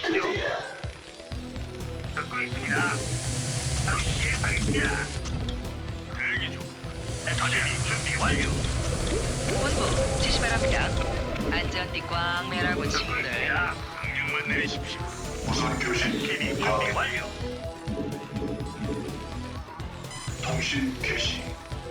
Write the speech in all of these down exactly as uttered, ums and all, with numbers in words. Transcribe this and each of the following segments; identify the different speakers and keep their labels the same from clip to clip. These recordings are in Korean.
Speaker 1: 드디어
Speaker 2: 듣고 있습니다. 바로 시행하겠습니다. 대기 중. SCB 준비 완료.
Speaker 3: 본부 지시 바랍니다. 안전띠 꽉 매라고 친구들.
Speaker 2: 자, 명령만 내리십시오.
Speaker 1: 무선 교신
Speaker 2: SCB 준비
Speaker 1: 가동.
Speaker 2: 완료.
Speaker 1: 통신 개시.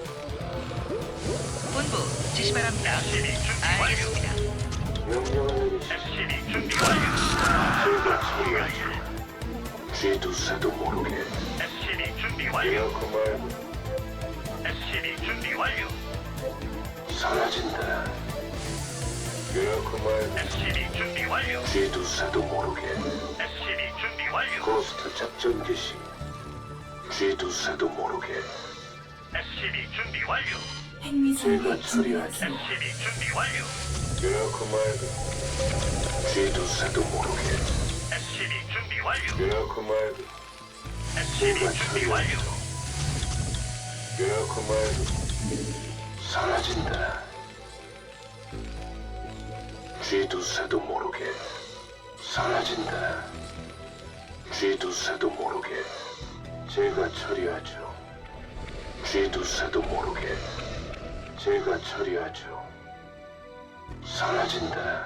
Speaker 3: 본부 지시 바랍니다.
Speaker 2: SCB 준비 완료.
Speaker 3: 알겠습니다.
Speaker 1: 명령을 내리시.
Speaker 2: SCB 준비 완료.
Speaker 1: 제가 처리하죠. 쥐도 새도 모르게.
Speaker 2: SCB 준비 완료.
Speaker 1: 이렇게 말고
Speaker 2: SCB 준비 완료.
Speaker 1: 사라진다. 이렇게 말고
Speaker 2: SCB 준비 완료.
Speaker 1: 쥐도 새도 모르게.
Speaker 2: SCB 준비 완료.
Speaker 1: 고스트 작전 개시. 쥐도 새도 모르게.
Speaker 2: SCB 준비 완료.
Speaker 1: 제가 처리하죠.
Speaker 2: SCB 준비 완료.
Speaker 1: 이렇게 말고 쥐도 새도 모르게.
Speaker 2: SCB 준비 완료.
Speaker 1: 이렇게 말고
Speaker 2: SCB
Speaker 1: 제가
Speaker 2: 준비 완료.
Speaker 1: 처리하죠. 이렇게 말고 사라진다. 쥐도 새도 모르게 사라진다. 쥐도 새도 모르게 제가 처리하죠. 쥐도 새도 모르게 제가 처리하죠. 사라진다.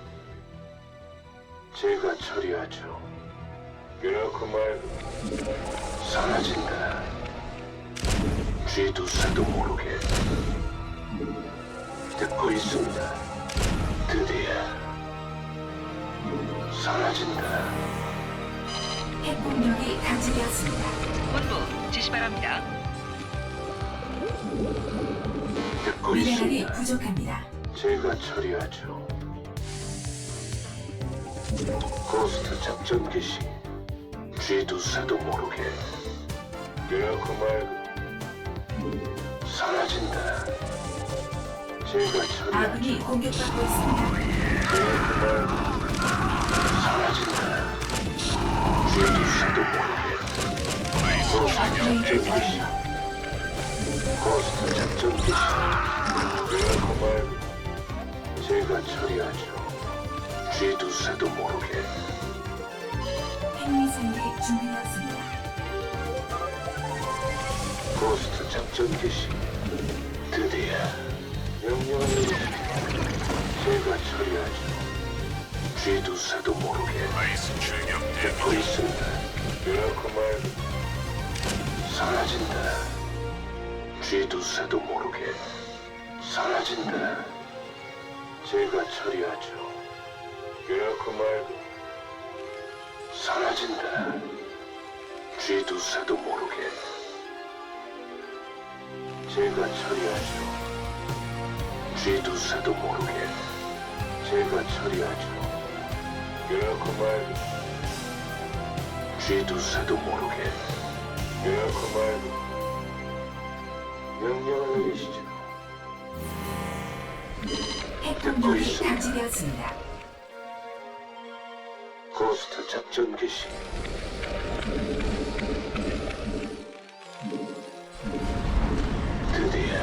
Speaker 1: 제가 처리하죠. 이렇게 말고 사라진다. 쥐도 새도 모르게 듣고 있습니다. 드디어 사라진다.
Speaker 4: 핵폭력이 감지되었습니다.
Speaker 3: 본부 지시 바랍니다.
Speaker 1: 듣고
Speaker 4: 미네랄이
Speaker 1: 있습니다.
Speaker 4: 부족합니다.
Speaker 1: 제가 처리하죠. 고스트 작전 개시. 쥐도 새도 모르게 이렇게 말고 사라진다. 제가 처리하죠.
Speaker 4: 아군이 공격받고 있습니다.
Speaker 1: 이렇게 말고 사라진다. 쥐도 새도 모르게 고스트 작전 개시. 고스트 작전 개시. 이렇게 말고 제가 처리하죠. 쥐도 새도 모르게
Speaker 4: 핵미사일이 준비되었습니다.
Speaker 1: 고스트 작전 개시. 드디어 명령을 내리십시오. 제가 처리하죠. 쥐도 새도 모르게
Speaker 2: 아이스 출격
Speaker 1: 듣고 있습니다. 이렇게 말고 사라진다. 쥐도 새도 모르게 사라진다. 제가 처리하죠. 이렇게 말고 사라진다. 쥐도 새도 모르게 제가 처리하죠. 쥐도 새도 모르게 제가 처리하죠. 이렇게 말고 쥐도 새도 모르게 이렇게 말고 명령을 내리시죠.
Speaker 4: 핵폭력이
Speaker 1: 있습니다.
Speaker 4: 감지되었습니다.
Speaker 1: 고스트 작전 개시. 드디어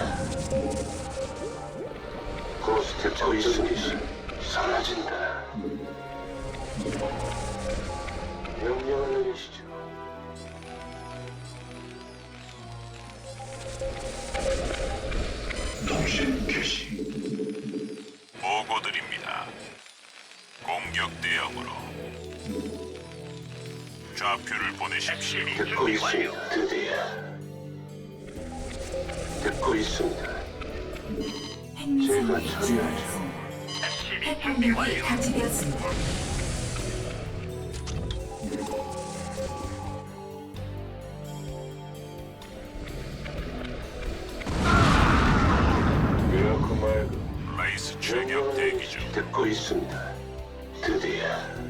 Speaker 1: 고스트 작전 개시. 사라진다. 명령을 내리시죠. 통신 개시.
Speaker 2: 보고드립니다. 공격 대응으로 좌표를 보내십시오.
Speaker 1: 듣고 있습니다. 드디어 듣고 있습니다.
Speaker 4: 핵미사일이
Speaker 1: 제가 처리하죠.
Speaker 4: 준비되었습니다. 핵폭력이 감지되었습니다.
Speaker 1: 이렇게 말고
Speaker 2: 라이스 출격 대기 중.
Speaker 1: 듣고 있습니다. 드디어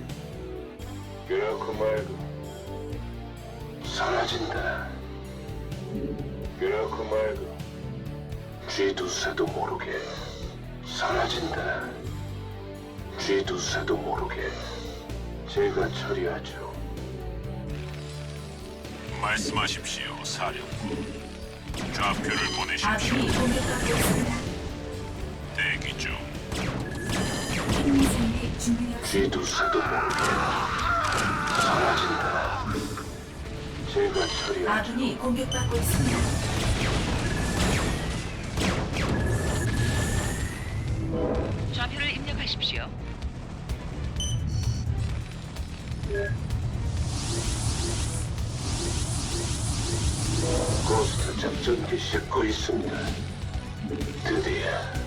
Speaker 1: 이렇게 말고 사라진다. 이렇게 말고 쥐도 새도 모르게 사라진다. 쥐도 새도 모르게 제가 처리하죠.
Speaker 2: 말씀하십시오, 사령부. 좌표를 보내십시오.
Speaker 4: 아군이 공격받고 있습니다.
Speaker 2: 대기 중.
Speaker 4: 핵미사일이 준비되었습니다.
Speaker 1: 쥐도 새도 모르게 사라진다. 제가 처리하죠.
Speaker 4: 아군이 공격받고 있습니다.
Speaker 3: 좌표를 입력하십시오.
Speaker 1: 고스트 작전기 싣고 있습니다. 드디어